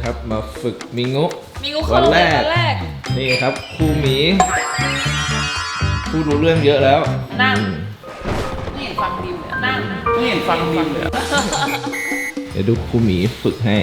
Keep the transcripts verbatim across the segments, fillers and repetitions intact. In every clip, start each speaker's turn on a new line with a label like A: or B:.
A: นะครับมาฝึกมิงุ
B: มิงุวันแรกแรก
A: นี่ครับครูหมีพูดรู้เรื่องเยอะแล้ว
B: นั่งไม่เห็นฟังดิวเลยนั่งไม่เห็นฟังดิวเลย
A: เดี๋ยวดูครูหมีฝึกให้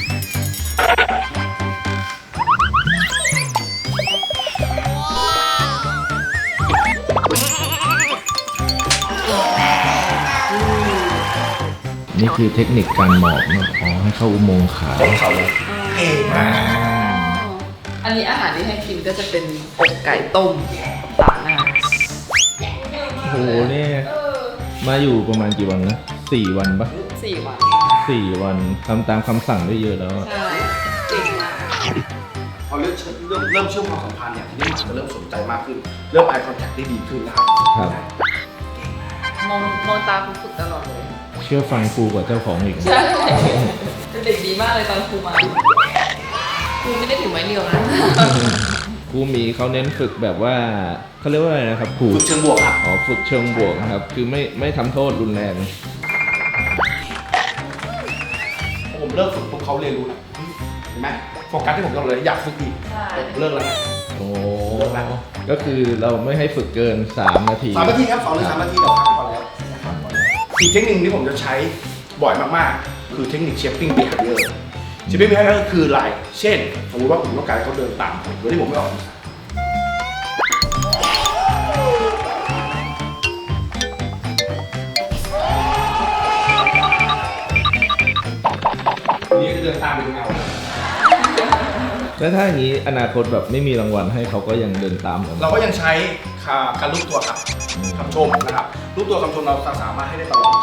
A: นี่คือเทคนิคการหมอบนะอ๋อให้เข้าอุโมงค์ขาเขาเลย
B: เก่งมากอันนี้อาหารที่ให้กินก็จะเป็นอกไก่ต้มตาหน้า
A: โอ้โหเนี่ยมาอยู่ประมาณกี่วันนะสี่วันปะ
B: สี่วัน
A: สี่วันทำตามคำสั่งได้เยอะแล้ว
B: ใช่เก่งมาก
C: พอเริ่มเริ่มเริ่มเชื่อมความสัมพันธ์เนี่ยทีนี้หมาจะเริ่มสนใจมากขึ้นเริ่ม eye contact ได้ดีขึ้นนะครับ
A: ครับ
B: มองมองตาคุณฝึกตลอดเลย
A: เชื่อฟังครูกว่าเจ้าของอีก
B: ใช่เป็นเด็กดีมากเลยตอนครูมาครูไม่ได้ถือไม้เรียวนะ
A: ครูหมีเขาเน้นฝึกแบบว่าเขาเรียกว่าอะไรนะครับครู
C: ฝึกเชิงบวกครับ
A: อ๋อฝึกเชิงบวกครับคือไม่ไม่ทำโทษรุนแรง
C: ผมเลิกฝึกปุ๊บเขาเรียนรู้แล้วเห็นไหมโฟกัสที่ผมต้องเลยอยากฝึกอีกเลิกแล้ว
A: โอ้ก็คือเราไม่ให้ฝึกเกินสามนาที
C: สามนาทีครับสองหรือสามนาทีต่อครั้งพอแล้วนะครับอีกเทคนิคที่ผมจะใช้บ่อยมากๆคือเทคนิค shaping behavior shaping behavior ก็คืออะไรเช่นสมมติว่าผมต้องการให้เขาเดินตามผมโดยที่ผมไม่ออกนี่จะเดินตามไปเงา
A: แล้วถ้าอย่างนี้อนาคตแบบไม่มีรางวัลให้เขาก็ยังเดินตาม
C: เราก็ยังใช้การลูกตัวครับคำชมนะครับลูกตัวคำชมเราสามารถให้ได้ตลอด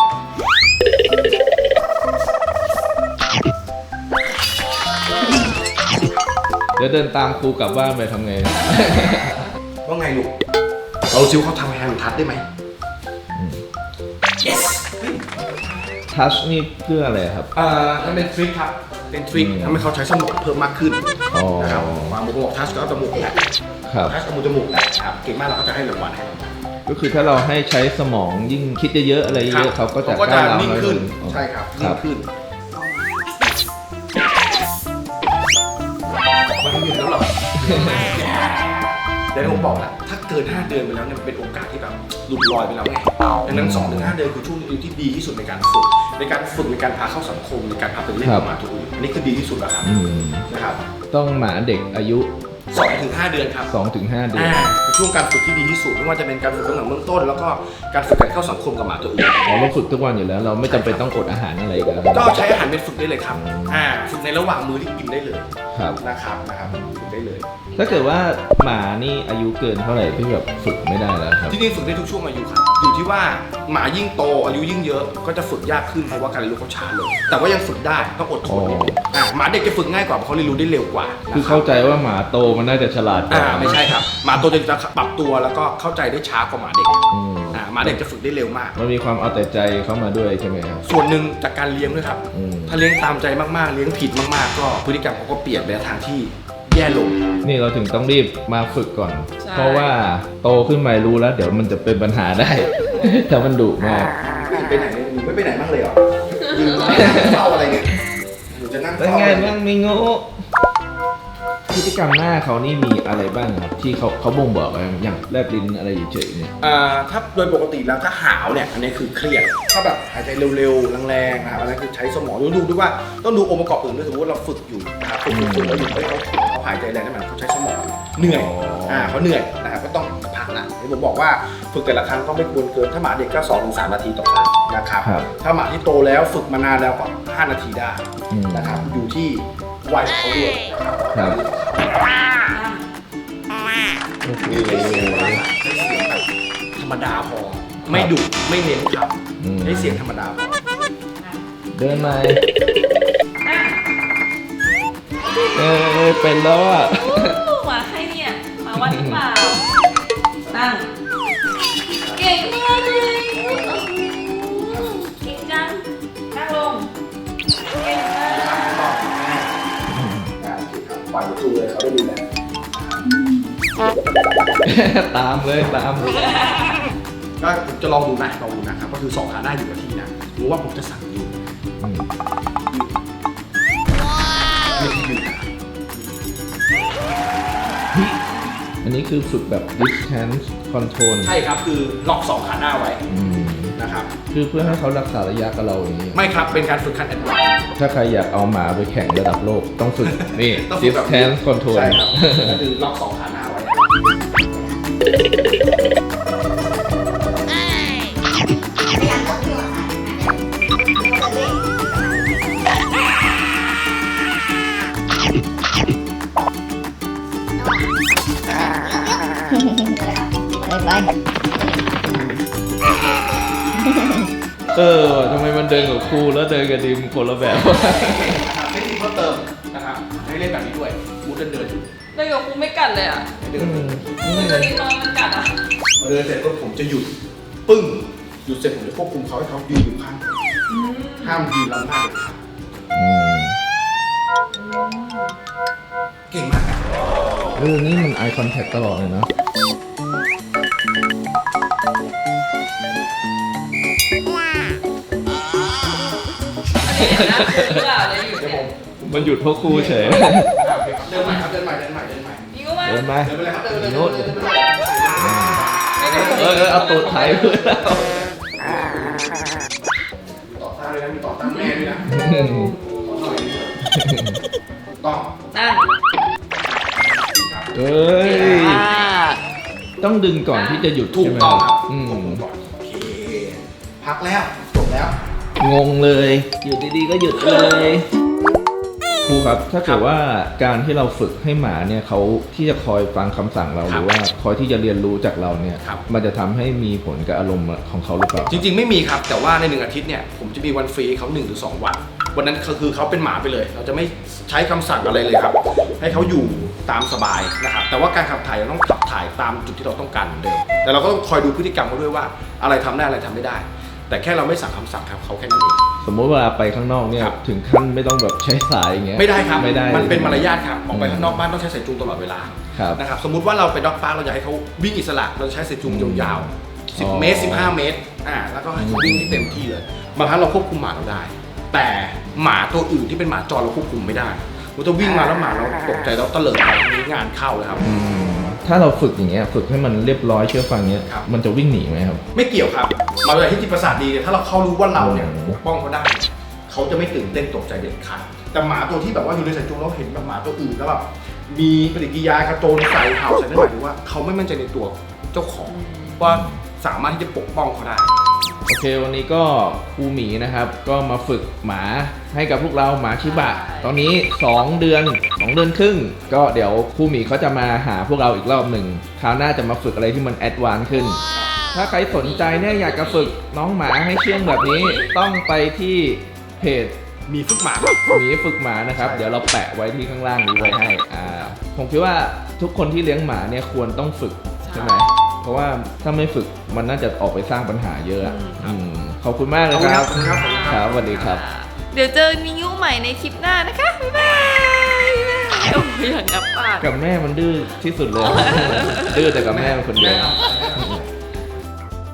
A: เดี๋ยวเดินตามครูกลับบ้านไปทำไง
C: ว่าไงลูกเราซิวเขาทำแฮนด์ทัชได้ไหม yes
A: ทัชนี่เพื่ออะไรครับ
C: อ่ามันเป็นทริคครับเป็นทริคทำให้เขาใช้สมองเพิ่มมากขึ้นนะครับวางมือบอกทัชก็เอาจมูกแหละทัชเอามือจมูกแหละครับเก่งมากเราก็จะให้รางวัลให้
A: ก็คือถ้าเราให้ใช้สมองยิ่งคิดเยอะๆอะไรเยอะเขาก็จะ
C: ก้าวนิ่งขึ้นใช่ครับนิ่งขึ้นมันไม่หยุดแล้วหรอเดี๋ยวผมบอกแล้วถ้าเกินห้าเดือนไปแล้วเนี่ยเป็นโอกาสที่แบบหลุดลอยไปแล้วไงดังนั้นสองถึงห้าเดือนคือช่วงที่ดีที่สุดในการฝึกในการฝึกในการพาเข้าสังคมในการพาไปเล่นกับหมาตัวอื่นอันนี้คือดีที่สุดแล้วครับนะครับ
A: ต้องหมาเด็กอายุ
C: สองถึงห้าเดือนครับ
A: สองถึงห้าเดือน
C: เป็นช่วงการฝึกที่ดีที่สุดไม่ว่าจะเป็นการฝึกตั้งแต่เบื้องต้นแล้วก็การฝึกการเข้าสังคมกับหมาตัวอื่น
A: เราฝึกทุกวันอยู่แล้วเราไม่จำเป็นต้องอดอาหารอะไรกัน
C: ก็ใช้อาหารเป็นฝึกได้เลยครับอ่าฝึกในระหว่างมื้อที่กินได้เลยนะครับนะครับฝึกได้เลย
A: ถ้าเกิดว่าหมานี่อายุเกินเท่าไหร่ที่แบบฝึกไม่ได้แล้วครับ
C: ที่นี่ฝึกได้ทุกช่วงอายุครับอยู่ที่ว่าหมายิ่งโตอายุยิ่งเยอะก็จะฝึกยากขึ้นเพราะว่าการเรียนรู้เขาช้าลงแต่ว่ายังฝึกได้ต้องอดทนอ่าหมาเด็กจะฝึกง่ายกว่าเพราะเขาเรียนรู้ได้เร็วกว่า
A: คือเข้าใจว่าหมาโตมันน่าจะฉลาดกว่า
C: ไม่ใช่ครับหมาโตจะปรับตัวแล้วก็เข้าใจได้ช้ากว่าหมาเด็กอ่าหมาเด็กจะฝึกได้เร็วมาก
A: มันมีความเอาแต่ใจเข้ามาด้วยใช่ไหมครับ
C: ส่วนหนึ่งจากการเลี้ยงด้วยครับถ้าเลี้ยงตามใจมากๆเลี้ยงผิดมากๆก็พฤติกรรมเขาก็เปลี่ยนไปทางที่แย่ลง
A: นี่เราถึงต้องรีบมาฝึกก่อนเพราะว่าโตขึ้นมารู้แล้วเดี๋ยวมันจะเป็นปัญหาได้ถ้ามันดุมาก
C: ไปไหนไม่ไปไหนบ้างเลยเหรอยืนเฝ้าอะไรเนี่ยหนูจะนั่ง
A: เป็นไงบ้างมิงุพฤติกรรมหน้าเขานี่มีอะไรบ้างครับที่เขาเขาบ่งบอกอะไรอย่างแลบลิ้นอะไรเฉยๆเนี่ย
C: อ่าถ้าโดยปกติแล้วถ้าหาวเนี่ยอันนี้คือเครียดถ้าแบบหายใจเร็วๆแรงๆนะครับอันนั้นคือใช้สมองดูด้วยว่าต้องดูองค์ประกอบอื่นด้วยสมมติว่าเราฝึกอยู่นะครับฝึกฝึกแล้วอยู่เขาเขาหายใจแรงนั่นหมายเขาใช้สมองเหนื่อยอ่าเขาเหนื่อยนะครับก็ต้องพักนะที่ผมบอกว่าฝึกแต่ละครั้งก็ไม่ควรเกินถ้าหมาเด็กก็สองถึงสามนาทีต่อครั้งนะครับถ้าหมาที่โตแล้วฝึกมานานแล้วก็ห้านาทีได้นะครับอยู่ที่วัยเขาด้วยครับ
A: โอเค
C: ธรรมดาพอไม่ดุไม่เน้นครับให้เสียงธรรมดาพอ
A: เดินมาเออเป็นแล้วอ่ะ
B: มาใครเนี่ยมาวัดหรือเปล่านั่งเก่งมากเลยเก่งจังนั่งลงเก่งมาก
C: ปล่อยตัวเลยเขาได้ดูแล
A: ตามเลยตาม
C: ก็จะลองดูนะลองดูนะครับก็คือสองขาหน้าอยู่กับที่นะรู้ว่าผมจะสั่งอยู่ยืน
A: อันนี้คือฝึกแบบ distance control
C: ใช่ครับคือล็อกสองขาหน้าไว้
A: อืม
C: นะครับ
A: คือเพื่อให้เขารักษาระยะกับเราอย่างนี้
C: ไม่ครับเป็นการฝึกขั้นแอดวานซ์
A: ถ้าใครอยากเอาหมาไปแข่งระดับโลกต้องฝึก นี่
C: ต้องฝึกแบบนี้
A: distance control
C: ใช่ครับก็คือล็อกสองขาหน้าไว้
D: ไปไป
A: เออทำไมมันเดินกับครูแล้วเดินกับดิมคนละแบบ
C: เทคนิคเพิ่มเติมนะครับให้เล่นแบบนี้ด้วยมูดเดินเดิน
B: เดินกับครูไม่กัดเลยอ่ะ
C: เดิ
A: อื
C: น
A: ม
B: แต่ตัวนี้ตอนมันกัดอ่ะ
C: พอเดินเสร็จปุ๊บผมจะหยุดปึ้งหยุดเสร็จผมจะควบคุมเขาให้เขายืนอยู่ข้างผมห้ามยืนล้ำหน้าเลยครับ
A: อืม
C: เก่งมากครับ
A: เออนี่มัน eye contact ตลอดเลยเนาะ
B: อันนี้เห็นหน้าครูหรือเปล่าเลยอยู่
C: เดี๋ยว
B: เนี่
C: ผ
B: ย
C: ม
A: มันหยุดเพราะครูเฉย
C: อ่ะโอเคครับเดินใหม่ครับเดินใหม่เดินใหม่เดินใหม่
B: นี่ก็ว่า
A: เดินไป
C: เดินไปเลยครับเดินไปเลย
A: โน้ต
C: เดินไปเลย
A: เออเออเอาตูดไถเพื่อนเรา
C: ต่อต้านเลยนะมีต่อต้านแม่ด้วยนะขอหน่อยนึงต้อง
B: นั่ง
A: เอ้ย
B: อ่า
A: ต้องดึงก่อนที่จะหยุด
C: ถูก
A: ใช่ไหม
C: ต้องครับ
A: อืม
C: ควบคุมก่อนโอเคพักแล้วจบแล้ว
A: งงเลย หยุดดีๆก็หยุดเลยครูครับ ถ้าเกิดว่าการที่เราฝึกให้หมาเนี่ยเขาที่จะคอยฟังคำสั่งเราหรือว่าคอยที่จะเรียนรู้จากเราเนี่ย
C: ครับ
A: มันจะทำให้มีผลกับอารมณ์ของเขาหรือเปล่า
C: จริงๆไม่มีครับแต่ว่าในหนึ่งอาทิตย์เนี่ยผมจะมีวันฟรีให้เขาหนึ่งหรือสองวันวันนั้นคือเขาเป็นหมาไปเลย เราจะไม่ใช้คำสั่งอะไรเลยครับ ให้เขาอยู่ตามสบายนะครับแต่ว่าการขับถ่ายเราต้องขับถ่ายตามจุดที่เราต้องการเหมือนเดิมแต่เราก็ต้องคอยดูพฤติกรรมเขาด้วยว่าอะไรทำได้อะไรทำไม่ได้ แต่แค่เราไม่สั่งคำสั่งครับเขาแค่นั้นเอง
A: สมมติเวลาไปข้างนอกเนี่ย
C: ครับ
A: ถึงขั้นไม่ต้องแบบใช้สายอย่างเงี้ย
C: ไม่ได้ครับ
A: ไม่ได้
C: มันเป็นมารยาทครับ
A: อืม
C: ออกไปข้างนอกบ้านต้องใช้สายจูงตลอดเวลา
A: ครับ
C: นะครับสมมุติว่าเราไปด็อกพาร์คเราอยากให้เขาวิ่งอิสระเราใช้สายจูงยาวๆสิบ
A: อ๋อ
C: เมตรสิบห้าเมตรอ่าแล้วก็ให้เขาวิ่งที่เต็มที่เลยบางครั้งเราควบคุมหมาเราได้ แต่หมาตัวอื่นที่เป็นหมาจรเราควบคุมไม่ได้เราจะวิ่งมาแล้วหมาเราตกใจแล้วเตลิดไปนี้งานเข้าเลยครับ
A: อืมถ้าเราฝึกอย่างเงี้ยฝึกให้มันเรียบร้อยเชื่อฟังเงี้ย
C: ครับ
A: มันจะวิ่งหนีไหมครับ
C: ไม่เกี่ยวครับหมาตัวไหนที่จิตประสาทดีเนี่ยถ้าเราเขารู้ว่าเราเนี่ย
A: อืม
C: ปกป้องเขาได้ เขาจะไม่ตื่นเต้นตกใจเด็ดขาดแต่หมาตัวที่แบบว่าอยู่ในสายจูงเราเห็นแบบหมาตัวอื่นแล้วแบบมีปฏิกิริยากระโจนใส่เห่าใส่นั่นหมายถึงว่าเขาไม่มั่นใจในตัวเจ้าของว่าสามารถที่จะปกป้องเขาได้
A: โอเควันนี้ก็ครูหมีนะครับ ก็มาฝึกหมาให้กับพวกเราหมาชิบะ ตอนนี้ สอง เดือน สอง เดือนครึ่ง ก็เดี๋ยวครูหมีเขาจะมาหาพวกเราอีกรอบหนึ่งคราวหน้าจะมาฝึกอะไรที่มันแอดวานซ์ขึ้น ถ้าใครสนใจเนี่ยอยากจะฝึกน้องหมาให้เชื่องแบบนี้ ต้องไปที่เพจ
C: มีฝึกหมา
A: หมีฝึกหมานะครับ
C: ใช่
A: เดี๋ยวเราแปะไว้ที่ข้างล่างนี้ไว้ให้อ่าผมคิดว่าทุกคนที่เลี้ยงหมาเนี่ยควรต้องฝึกใช่ไหมเพราะว่าถ้าไม่ฝึกมันน่าจะออกไปสร้างปัญหาเยอะอะอืมขอบคุณมากเลยครับ
C: ขอบคุณครับขอบคุณครับ
A: ครับสวัสดีครับ
B: เดี๋ยวเจอนิวใหม่ในคลิปหน้านะคะ บ๊ายบายโอ้ยอย่างงับปาก
A: กับแม่มันดื้อที่สุดเลย ดื้อแต่กับแม่มันคนเดียว
C: แน่นอน